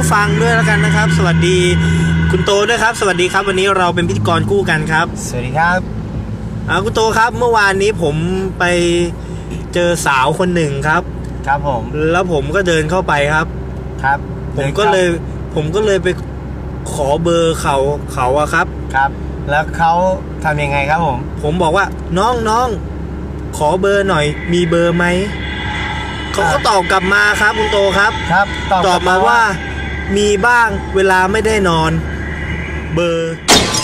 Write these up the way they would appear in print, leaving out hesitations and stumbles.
ฟังด้วยแล้วกันนะครับสวัสดีคุณโตด้วยครับสวัสดีครับวันนี้เราเป็นพิธีกรคู่กันครับสวัสดีครับคุณโตครับเมื่อวานนี้ผมไปเจอสาวคนหนึ่งครับครับผมแล้วผมก็เดินเข้าไปครับครับผมก็เลยไปขอเบอร์เขาอะครับครับแล้วเขาทำยังไงครับผมบอกว่าน้องขอเบอร์หน่อยมีเบอร์ไหมเขาก็ตอบกลับมาครับคุณโตครับครับตอบมาว่ามีบ้างเวลาไม่ได้นอนเบอร์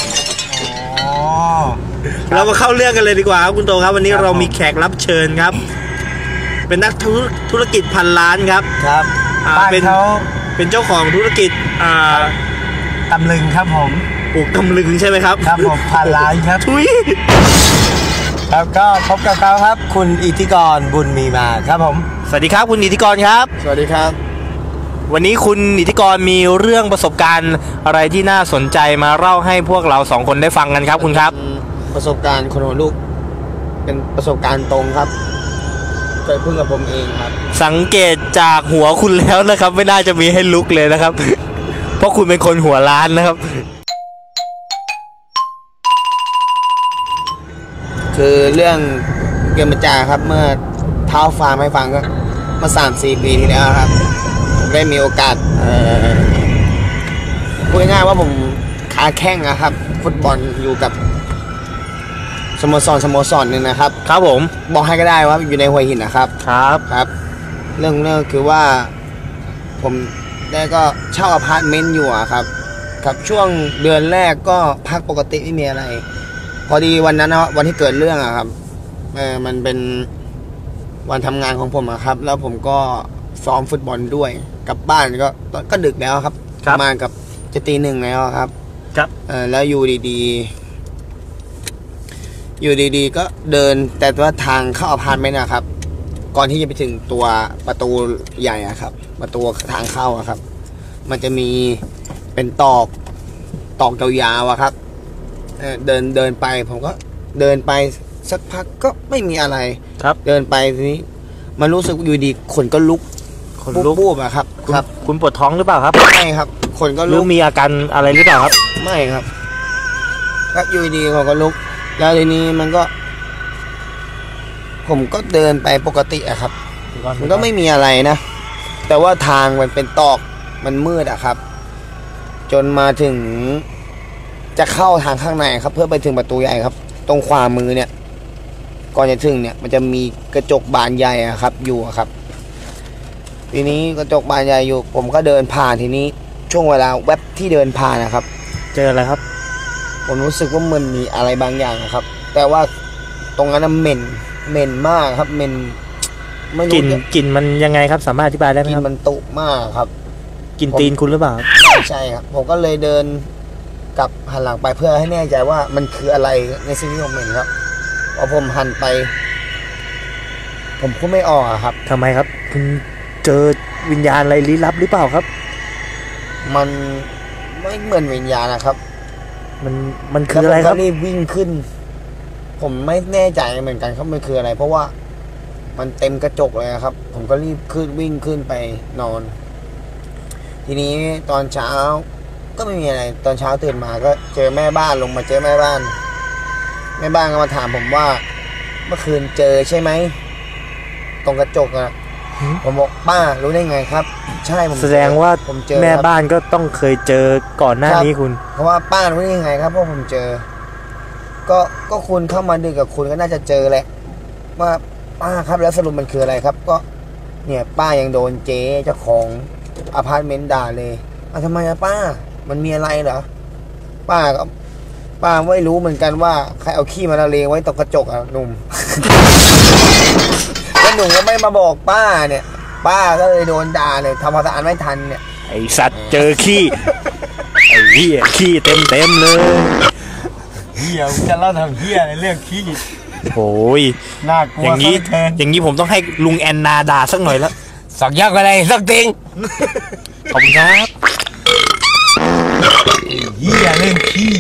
เรามาเข้าเรื่องกันเลยดีกว่าครับคุณโตครับวันนี้เรามีแขกรับเชิญครับเป็นนักธุรกิจพันล้านครับครับเป็นเจ้าของธุรกิจตำลึงครับผมปลูกตำลึงใช่ไหมครับครับผมพันล้านครับทุยครับก็พบกับเขาครับคุณอิทธิกรบุญมีมาครับผมสวัสดีครับคุณอิทธิกรครับสวัสดีครับวันนี้คุณอิทธิกรมีเรื่องประสบการณ์อะไรที่น่าสนใจมาเล่าให้พวกเราสองคนได้ฟังกันครับคุณครับประสบการณ์คนหัวลูกเป็นประสบการณ์ตรงครับเกิดขึ้นกับผมเองครับสังเกตจากหัวคุณแล้วนะครับไม่น่าจะมีให้ลุกเลยนะครับ เพราะคุณเป็นคนหัวล้านนะครับคือเรื่องเกมจาครับเมื่อเท้าฟาร์มให้ฟังก็เมื่อ 3-4 ปีที่แล้วครับผมได้มีโอกาสพูดง่ายๆว่าผมขาแข้งนะครับฟุตบอลอยู่กับสโมสรนึงนะครับครับผมบอกให้ก็ได้ว่าอยู่ในหัวหินนะครับครับเรื่องคือว่าผมได้ก็เช่าอพาร์ตเมนต์อยู่ครับช่วงเดือนแรกก็พักปกติไม่มีอะไรพอดีวันนั้นนะวันที่เกิดเรื่องครับมันเป็นวันทำงานของผมครับแล้วผมก็ซ้อมฟุตบอลด้วยกลับบ้านก็ดึกแล้วครับประมาณกับจะตี 1แล้วครับแล้วอยู่ดีๆก็เดินแต่ว่าทางเข้าอพาร์ตเมนต์นะครับก่อนที่จะไปถึงตัวประตูใหญ่ครับประตูทางเข้าครับมันจะมีเป็นตอกยาวๆครับเดินไปผมก็เดินไปสักพักก็ไม่มีอะไรครับเดินไปทีนี้มันรู้สึกอยู่ดีขนก็ลุกบูบครับคุณปวดท้องหรือเปล่าครับไม่ครับขนก็ลุกมีอาการอะไรหรือเปล่าครับไม่ครับก็อยู่ดีเขาก็ลุกแล้วทีนี้ผมก็เดินไปปกติครับมันก็ไม่มีอะไรนะแต่ว่าทางมันเป็นตอกมันมืดครับจนมาถึงจะเข้าทางข้างในครับเพื่อไปถึงประตูใหญ่ครับตรงขวามือเนี่ยก่อนจะถึงเนี่ยมันจะมีกระจกบานใหญ่ครับอยู่ครับทีนี้กระจกบานใหญ่อยู่ผมก็เดินผ่านทีนี้ช่วงเวลาแวบที่เดินผ่านนะครับเจออะไรครับผมรู้สึกว่ามันมีอะไรบางอย่างครับแต่ว่าตรงนั้นเหม็นมากครับเหม็นไม่รู้กลิ่นมันยังไงครับสามารถอธิบายได้ไหมครับกลิ่นมันตุมากครับกลิ่นตีนคุณหรือเปล่าใช่ครับผมก็เลยเดินกลับหันหลังไปเพื่อให้แน่ใจว่ามันคืออะไรในสิ่งที่ผมเห็นครับพอผมหันไปผมพูดไม่ออกครับทำไมครับคุณเจอวิญญาณอะไรลี้ลับหรือเปล่าครับมันไม่เหมือนวิญญาณนะครับมันคืออะไรครับรีบวิ่งขึ้นผมไม่แน่ใจเหมือนกันครับมันคืออะไรเพราะว่ามันเต็มกระจกเลยครับผมก็รีบวิ่งขึ้นไปนอนทีนี้ตอนเช้าก็ไม่มีอะไรตอนเช้าตื่นมาก็เจอแม่บ้านลงมาเจอแม่บ้านก็มาถามผมว่าเมื่อคืนเจอใช่ไหมตรงกระจกผมบอกป้ารู้ได้ไงครับใช่ผมแสดงว่าผมเจอแม่บ้านก็ต้องเคยเจอก่อนหน้านี้คุณเพราะว่าป้ารู้ได้ยังไงครับเพราะผมเจอก็คุณเข้ามาดึกกับคุณก็น่าจะเจอแหละว่าป้าครับแล้วสรุปมันคืออะไรครับก็เนี่ยป้ายังโดนเจ๊เจ้าของอพาร์ตเมนต์ด่าเลยทำไมป้ามันมีอะไรเหรอป้าไม่รู้เหมือนกันว่าใครเอาขี้มาละเลงไว้ตรงกระจกหนุ่ม แล้วหนุ่มก็ไม่มาบอกป้าเนี่ยป้าก็เลยโดนด่าเลยทำความสะอาดไม่ทันเนี่ยไอสัตว์เจอขี้ไอเหี้ยขี้เต็มเลยเหี้ยจะเล่าทำเหี้ยในเรื่องขี้โอ้ยน่ากลัวอย่างนี้ผมต้องให้ลุงแอนนาด่าสักหน่อยแล้วสักยักษ์อะไรสักติงขอบคุณครับเหี้ยเรื่องขี้